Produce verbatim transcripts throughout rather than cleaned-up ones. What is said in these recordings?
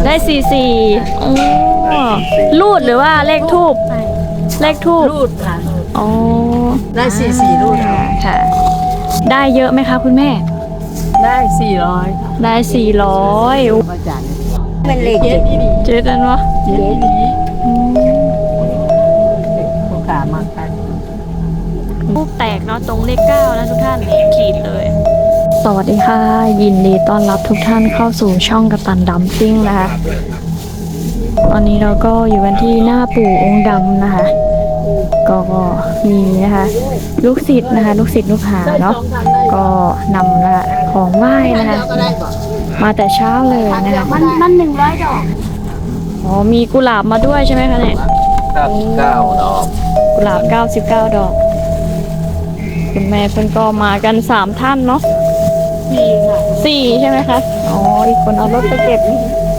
ได้สี่สี่อ๋อรูดหรือว่าเลขทูบเลขทูบรูดค่ะอ๋อได้สี่สี่รูดค่ะได้เยอะไหมคะคุณแม่ได้สี่ร้อยได้สี่ร้อยมาจากมันเลขเจ็ดเจ็ดอันวะเจ็ดนี้ผู้ขามากันทูบแตกเนาะตรงเลขเก้านะทุกท่านขีดเลยสวัสดีค่ะยินดีต้อนรับทุกท่านเข้าสู่ช่องกัปตันดัมซิ่งนะคะตอนนี้เราก็อยู่กันที่หน้าปู่องค์ดำนะคะก็มีนะคะลูกศิษย์นะคะลูกศิษย์ลูกหาเนาะก็นำละของไหว้นะคะมาแต่เช้าเลยนะคะมันมันหนึ่งร้อยดอกอ๋อมีกุหลาบมาด้วยใช่ไหมคะเนี่ยเก้าสิบเก้าดอกกุหลาบเก้าสิบเก้าดอกคุณแม่เพิ่นก็มากันสามท่านเนาะสี่ค่ะสี่ใช่ไหมคะอ๋ออีกคนเอารถไปเก็บนี่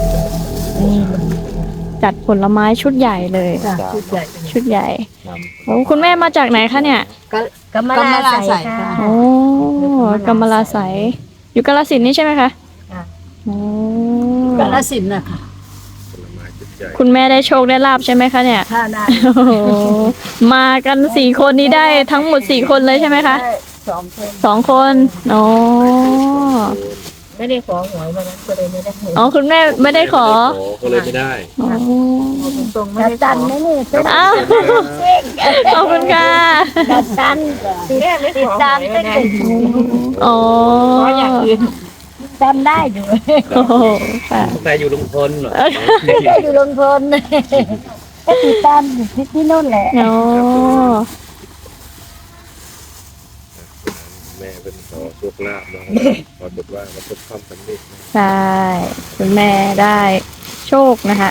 จัดผลไม้ชุดใหญ่เลยชุดใหญ่ชุดใหญ่โอ้คุณแม่มาจากไหนคะเนี่ยกำมะลาใส่ค่ะโอ้กำมะลาใสอยู่กาฬสินธุ์นี่ใช่ไหมคะโอ้กาฬสินธุ์นะคะคุณแม่ได้โชคได้ลาบใช่ไหมคะเนี่ยค่ะได้มากันสี่คนนี้ได้ทั้งหมดสี่คนเลยใช่ไหมคะสองคนสองคนอ๋อไม่ได้ขอหวยมานั้นก็เลยไม่ได้อ๋อคุณแม่ไม่ได้ขอก็เลยไม่ได้อ๋อตรงไม่ได้ตันไม่นี่อ้าวขอบคุณค่ะดัดตันติดตามตั้งแต่อ๋ออย่างอื่นจำได้อยู่โอ้ค่ะแต่อยู่ลุงพลเหรอได้อยู่ลงพลก็ติดตามอยู่ที่ที่นู่นแหละอ๋อแม่เป็นขอโชคลาภเนาะขอบอกว่ามันประสบความสำเร็จใช่คุณแม่ได้โชคนะคะ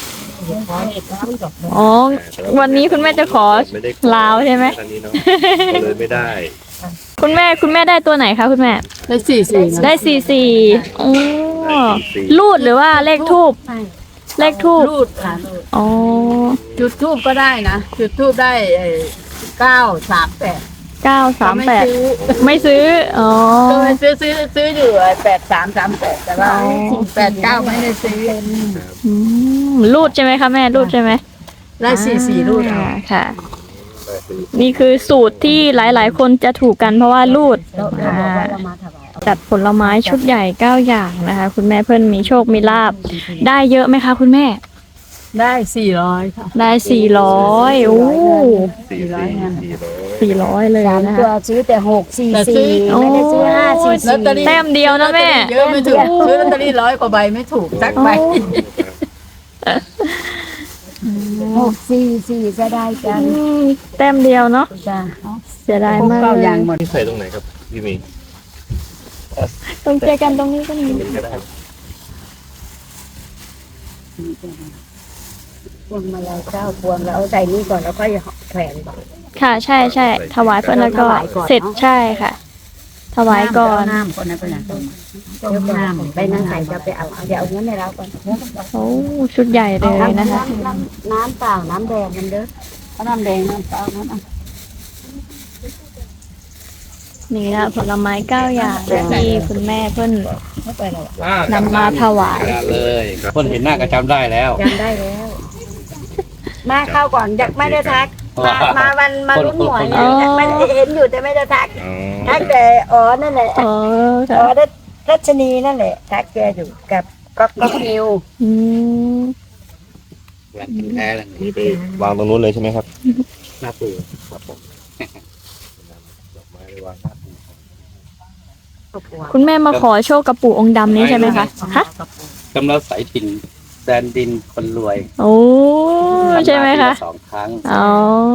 อ๋อวันนี้คุณแม่จะขอลาวใช่ไหมเลยไม่ได้คุณแม่คุณแม่ได้ตัวไหนคะคุณแม่ได้สี่สี่ได้สี่สี่อ๋อรูดหรือว่าเลขทูบเลขทูบรูดค่ะอ๋อจุดทูบก็ได้นะจุดทูบได้เก้าสามแปดเก้าสามแปดไม่ซื้ออ๋อซื้อซื้อซื้ออยู่แปดสามสามแปดแต่ว่าแปดเก้าไม่ได้ซื้อรูดใช่ไหมคะแม่รูดใช่ไหมได้สี่สี่รูดค่ะนี่คือสูตรที่หลายๆคนจะถูกกันเพราะว่ารูดจัดผลไม้ชุดใหญ่เก้าอย่างนะคะคุณแม่เพิ่นมีโชคมีลาบได้เยอะไหมคะคุณแม่ได้สี่ร้อยค่ะได้สี่ร้อยโอ้สี่ร้อยสี่ร้อยเลยนะคะตัวซื้อแต่หกสี่สี่ไม่ได้ซื้อห้าสี่สี่แต้มเดียวนะแม่เยอะไม่ถูกซื้อลอตเตอรี่ร้อยกว่าใบไม่ถูกสักใบหกสี่สี่จะได้กันแต้มเดียวเนาะจ้ะเสียดายมากเลยอย่างหมดที่ใส่ตรงไหนครับพี่มีตรงเจอกันตรงนี้ก็มีพวงมาลัยเก้าพวงแล้วเอาใส่นี่ก่อนแล้วค่อยแขวนก่อนค่ะใช่ใช่ถวายเพื่อนแล้วก็เสร็จใช่ค่ะถวายก่อนน้ำก่อนนะก่อนนะต้มน้ำไปนั่งใส่จะไปเอาเดี๋ยวเอาเงินในเราก่อนโอ้ชุดใหญ่เลยนะคะน้ำเปล่าน้ำแดงมันเด้อน้ำแดงน้ำเปล่าน้ำนี่นะผลไม้เก้าอย่างที่คุณแม่เพิ่นนำมาถวายเลยเพิ่นเห็นหน้าก็จำได้แล้วจำได้แล้วมาเข้าก่อนอยากไม่ได้ทักมามาวันมาลุ้นหวยเนี่ยไม่เห็นอยู่แต่ไม่ได้ทักทักแต่อ๋อนั่นแหละอ๋ออ๋อรัชนีนั่นแหละทักแกอยู่กับก๊อกก๊อกนิวอืมแท้เลยนี่ไปวางตรงนู้นเลยใช่ไหมครับหน้าปูครับผมดอกไม้ไปวางหน้าปูคุณแม่มาขอโชคกับปู่องค์ดำนี้ใช่ไหมคะฮะกำลังใส่ถิ่นแดนดินคนรวยโอ้ใช่ไหมคะสองครั้งอ๋อ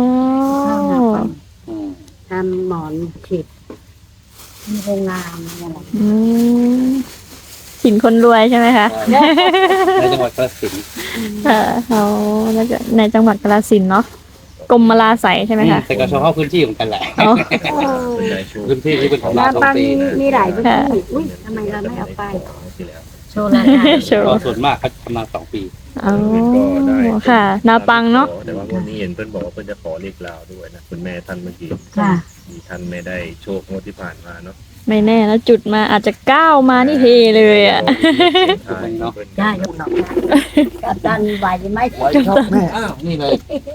ทำหมอนผิดมีโรงงานอะไรอืมถิ่นคนรวยใช่ไหมคะในจังหวัดกาฬสินธุ์เออเขาในจังหวัดกาฬสินธุ์เนาะกรมลาใสใช่ไหมคะแต่ก็ชอบเข้าพื้นที่เหมือนกันแหละพื้นที่ที่เป็นของเราต้องตีมีหลายพื้นที่อุ้ยทำไมเราไม่เอาไปโชว์ราคาโชว์ส่วนมากเขาทำมาสองปีอ๋อค่ะนาปังเนาะแต่ว่าวันนี้เห็นเพื่อนบอกว่าเพื่อนจะขอเลขลาวด้วยนะคุณแม่ท่านเมื่อกี้มีท่านไม่ได้โชคงวดที่ผ่านมาเนาะไม่แน่นะจุดมาอาจจะก้าวมานี่เฮเลยอ่ะเนาะได้ยกหนอกกับดันไหวไหมชอบแม่อ้าวนี่เลย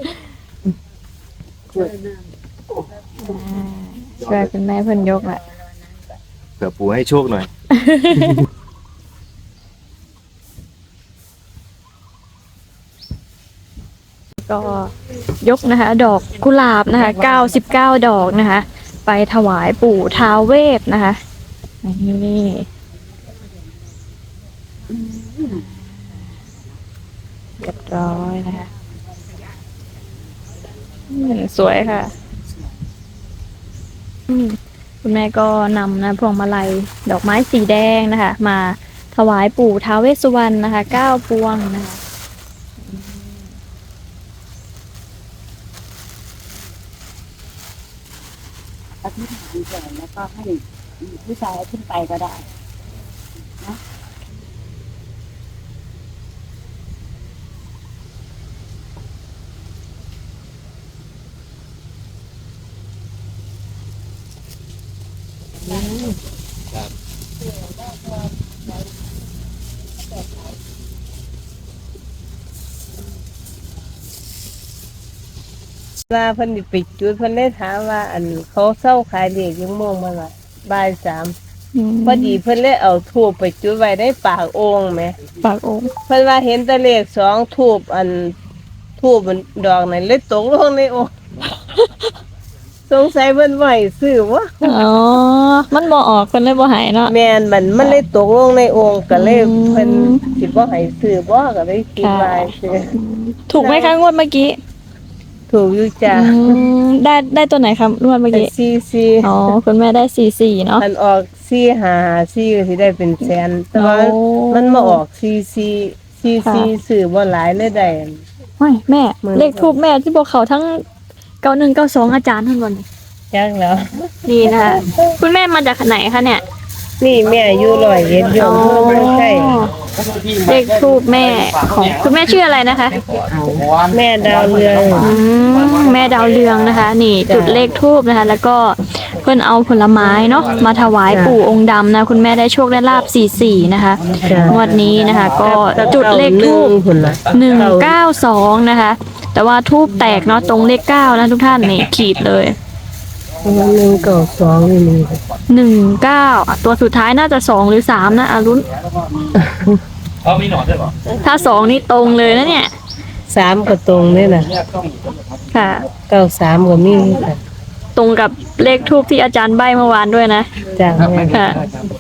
ช่วยคุณแม่เพิ่นยกแหละเผื่อปู่ให้โชคหน่อยก็ยกนะคะ ดอกกุหลาบนะคะเก้าสิบเก้าดอกนะคะ ไปถวายปู่ท้าวเวสนะคะนี่เรียบร้อยนะคะอืมสวยค่ะอืมคุณแม่ก็นำนะพวงมาลัยดอกไม้สีแดงนะคะ มาถวายปู่ท้าวเวสสุวรรณนะคะเก้าพวงนะคะอธิษฐานก่อนแล้วก็ให้ผู้ชายขึ้นไปก็ได้นะว่าเพิ่นสิไปจุดเพิ่นได้ถามว่า อันเขาเศร้าขายเด็กยังโมงมาละบ่ายสามพอดีเพิ่นเลยเอาทูบไปจุดไว้ในปากโอ่งแหมปากองค์เพิ่นว่าเห็นแต่เลขสองทูบอันทูบมันดอกนั้นเลยตกลงในโอ่ง สงสัยเพิ่นบ่ให้ซื้อวะอ๋อ มันบ่ออกคนเลยบ่หายเนาะแม่นมันมันเลยตกลงในโอ่งก็เลยอืมเพิ่นสิบ่ให้ซื้อบ่ก็เลยคิดว่าซื้อถูกไหมคะงวดเมื่อกี้ถูกอยู่จ้ะอืมได้ได้ตัวไหนครับงวดเมื่อกี้ซีซีอ๋อ คุณแม่ได้สี่สี่เนาะมันออกสี่ห้าสี่ก็สิได้เป็นแสนแต่ว่าโอ้มันมาออกซีซีซีซีซื้อบ่หลายเลยได้ไม่แม่หมื่นเลขทูบแม่ที่บอกเขาทั้งเก้าหนึ่งเก้าสองอาจารย์ทั้งหมดนี่จักแล้วนี่นะคะคุณแม่มาจากไหนคะเนี่ยนี่แม่อยู่ร้อยเอ็ดอยู่อำเภอเมืองไทยเลขทูบแม่ของคุณแม่ชื่ออะไรนะคะแม่ดาวเรืองอืมแม่ดาวเรืองนะคะ นี่จุดเลขทูบนะคะ แล้วก็เพื่อนเอาผลไม้เนาะมาถวายปู่องค์ดำนะ คุณแม่ได้โชคได้ลาบสี่สี่นะคะงวดนี้นะคะ ก็จุดเลขทูบพุ่นล่ะหนึ่งเก้าสองนะคะ แต่ว่าทูบแตกเนาะตรงเลขเก้านะทุกท่านนี่ขีดเลยหนึ่งเก้าสองนี่มีหนึ่งเก้าตัวสุดท้ายน่าจะสองหรือสามนะอารุณเขามีหนอนด้วยเหรอถ้าสองนี่ตรงเลยนะเนี่ยสามก็ตรงนี่น่ะค่ะเก้าสามก็มีค่ะตรงกับเลขทูบที่อาจารย์ใบเมื่อวานด้วยนะจ้ะแม่ค่ะ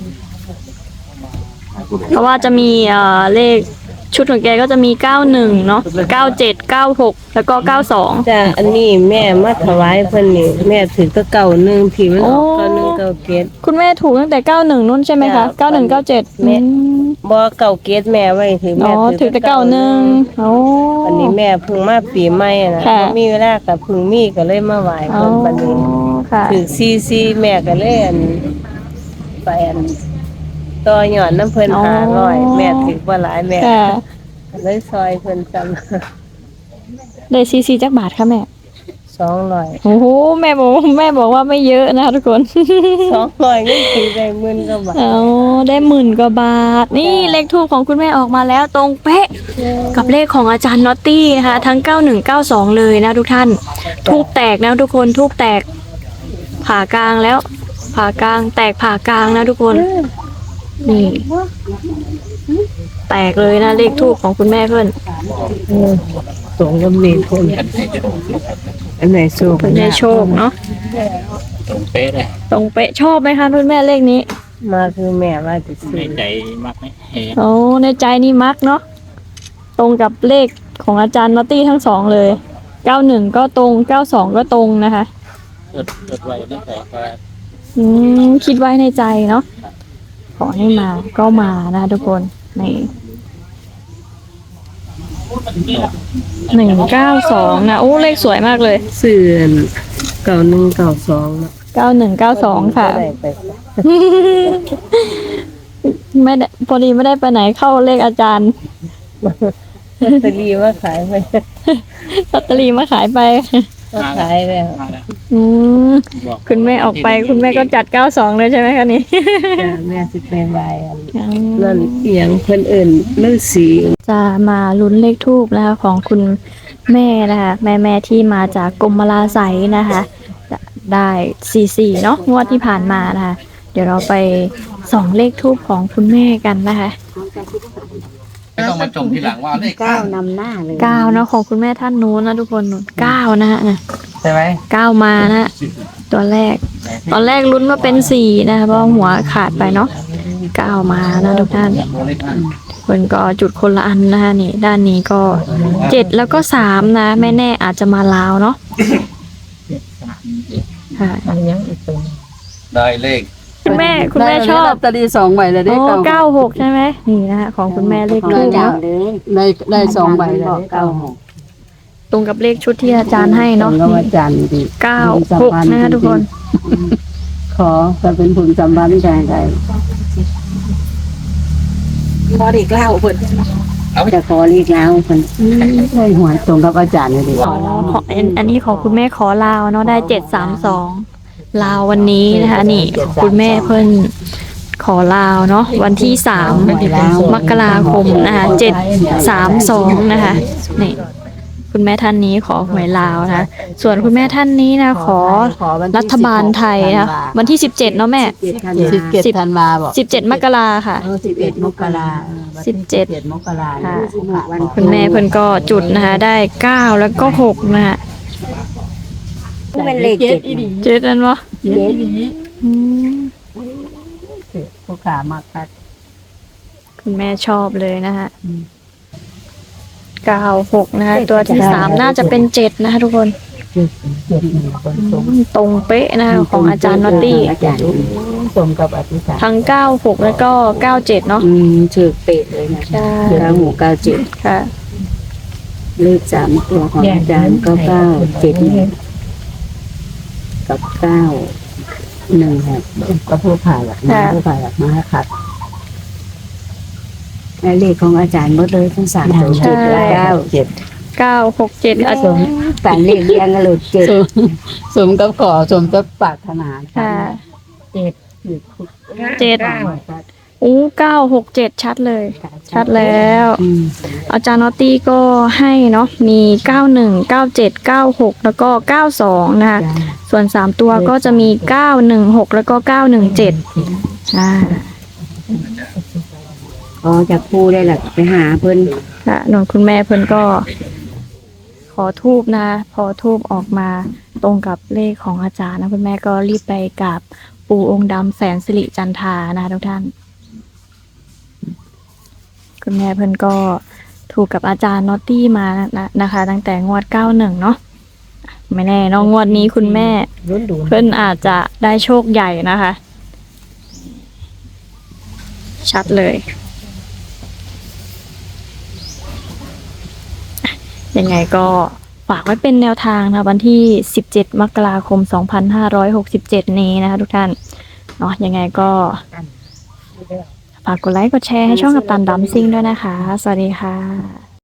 เพราะว่าจะมีเอ่อเลขชุดของแกก็จะมีเก้าหนึ่งเนาะเก้าเจ็ดเก้าหกแล้วก็เก้าสองจ้ะอันนี้แม่มาถวายเพิ่นนี่แม่ถือแตะเก่าหนึ่งที่มันออกโอ้เก้าหนึ่งเก้าเกตคุณแม่ถูกตั้งแต่เก้าหนึ่งนู่นใช่ไหมคะจ้ะเก้าหนึ่งเก้าเจ็ดแม่ บ่เก่าเกตแม่ไว้ถืออ๋แม่อถือแต่เก้าหนึ่งโอ้อันนี้แม่เพิ่งมาปีใหม่นะค่ะบ่มีเวลากับเพิ่งมีก็เลยมาไหว้อ๋อเพิ่นบัดนี้ค่ะถือซีซีแม่ก็เลยอันไปอันต่อยอดน้ำเพิ่นห้าร้อยแม่ถือบ่หลายแม่ค่ะเลยซอยเพิ่นซ้ได้ซีซีจักบาทค่ะแม่ำ สองร้อยโอ้โหแม่บอกว่าแม่บอกว่าไม่เยอะนะคะทุกคนสองร้อยเงินถือได้หมื่นกว่าบาทเอาได้หมื่นกว่าบาท นี่เลขทูปของคุณแม่ออกมาแล้วตรงเป๊ะกับเลขของอาจารย์น็อตตี้นะคะทั้งเก้าหนึ่งเก้าสองเลยนะทุกท่านทูบแตกนะทุกคนทูบแตกผ่ากลางแล้ว ผ่ากลางแตกผ่ากลางนะทุกคน นี่ แตกเลยนะเลขทูปของคุณแม่เพื่อนสองกับเลขเพิ่นอันไหนสูงเพื่อนได้โชคเนาะตรงเป๊ะเลยตรงเป๊ะชอบไหมคะคุณแม่เลขนี้มาคือแม่ว่าจะซื้อใจมากไหมเฮ้โอ้ในใจนี่มักเนาะตรงกับเลขของอาจารย์นอตตี้ทั้งสองเลยเก้าหนึ่งก็ตรงเก้าสองก็ตรงนะคะจดจดไว้ตั้งแต่ก็อืมคิดไว้ในใจเนาะขอให้มาก็มานะทุกคนนี่หนึ่งเก้าสองนะโอ้เลขสวยมากเลยซื้อเก้าหนึ่งเก้าสองเนาะเก้าหนึ่งเก้าสองค่ะได้ไปไม่ได้พอดีไม่ได้ไปไหนเข้าเลขอาจารย์ลอตเตอรี่มาขายไปลอตเตอรี่มาขายไปก็ขายแล้วอืมคุณแม่ออกไปคุณแม่ก็จัดเก้าสองเลยใช่ไหมคะนี่จ้ะแม่สิไปไหว้อันนั่นเอียงเพิ่นเอิ้นฤาษีจะมาลุ้นเลขทูบนะคะของคุณแม่นะคะแม่แม่ที่มาจากกรมลาไสยนะคะจะได้สี่สี่เนาะงวดที่ผ่านมานะคะเดี๋ยวเราไปส่องเลขทูบของคุณแม่กันนะคะไม่ต้องมาจมทีหลังว่าเลขเก้านำหน้าเลยเก้าเนาะของคุณแม่ท่านนู้นนะทุกคนนู้นเก้านะฮะนะใช่ไหมเก้ามานะฮะตัวแรก ตอนแรกลุ้นว่าเป็นสี่นะคะเพราะหัวขาดไปเนาะเก้ามานะทุกท่านคนก็จุดคนละอันนะคะนี่ด้านนี้ก็เจ็ดแล้วก็สามนะไม่แน่อาจจะมาลาวเนาะค่ะอันยังอีกตรงได้เลขคุณแม่คุณแม่ชอบลอตเตอรี่สองใบเลยได้โอ้เก้าเก้าหกใช่ไหมนี่นะคะของคุณแม่เลขทูบเก้าเนาะเลยได้ได้สองใบเลยบอกได้เก้าเก้าหกตรงกับเลขชุดที่อาจารย์ให้เนาะก็ว่าจันทร์ดีเก้าหกนะคะทุกคนขอจะเป็นผลสัมพันธ์แก่ใดพอดีเก้าเพิ่นจะขอเรียกแล้วคนได้หวยตรงกับอาจารย์เลยดีอ๋อขออันอันนี้ของคุณแม่ขอลาวเนาะได้เจ็ดสามสองลาววันนี้นะคะนี่ของคุณแม่เพิ่นขอลาวเนาะวันที่สามมกราคมนะคะเจ็ดสามสองนะคะนี่คุณแม่ท่านนี้ขอหวยลาวนะคะส่วนคุณแม่ท่านนี้นะขอรัฐบาลไทยนะวันที่สิบเจ็ดเนาะแม่เจ็ดธันสิบวาเจ็ดธันวาบอกสิบเจ็ดมกราค่ะเออสิบเอ็ดมกราสิบเจ็ดเจ็ดมกราค่ะวันคุณแม่เพิ่นก็จุดนะคะได้เก้าแล้วก็หกนะคะเป็นเลขเจ็ดเจ็ดอันวะเจ็ดอืมผู้ขามาคัดคุณแม่ชอบเลยนะคะเก้าหกนะคะตัวที่สามน่าจะเป็นเจ็ดนะคะทุกคนเจ็ดหนึ่งคนอืตรงมตรงเป๊ะนะคะของอาจารย์นอตตี้อาจารย์ตรงกับอธิษฐานทั้งเก้าหกแล้วก็เก้าเจ็ดเนาะอืมถือเป๊ะเลยนะใช่เก้าหกเก้าเจ็ดค่ะเลขสามตัวของอาจารย์ก็เก้าเจ็ดหนึ่งกับเก้าหนึ่งหกก็ผู้ผ่าหลักมาผู้ผ่าหลักมาให้คัดและเลขของอาจารย์หมดเลยทั้งสามตัวเจ็ดและเก้าเจ็ดเก้าหกเจ็ดอาสจาม รย์ฝันเลขเรียงกันเลยเจ็ดสมสมกับขอสมกับปรารถนาค่ะเจ็ดเจ็ดอู้เก้าหกเจ็ดชัดเลย ชัดแล้วอืมอาจารย์นอตตี้ก็ให้เนาะมีเก้าหนึ่งเก้าเจ็ดเก้าหกแล้วก็เก้าสองนะคะจ้าส่วนสามตัวก็จะมีเก้าหนึ่งหกแล้วก็เก้าหนึ่งเจ็ดอ่าอ๋อจากผู้ได้หลักไปหาเพิ่นค่ะนนคุณแม่เพิ่นก็ ขอทูบนะ พอทูบออกมาตรงกับเลขของอาจารย์นะคุณแม่ก็รีบไปกราบปู่องค์ดำแสนสิริจันทรานะคะทุกท่าน คุณแม่เพิ่นก็ถูกกับอาจารย์นอตตี้มานะนะคะ ตั้งแต่งวดเก้าหนึ่งเนาะไม่แน่เนอะงวดนี้คุณแม่รุ่นดูเพิ่นอาจจะได้โชคใหญ่นะคะ ชัดเลย ยังไงก็ฝากไว้เป็นแนวทางนะวันที่สิบเจ็ดมกราคมสองพันห้าร้อยหกสิบเจ็ดนี้นะคะทุกท่านเนาะยังไงก็ฝากกดไลค์กดแชร์ให้ช่องกัปตันดัมซิ่งด้วยนะคะ สวัสดีค่ะ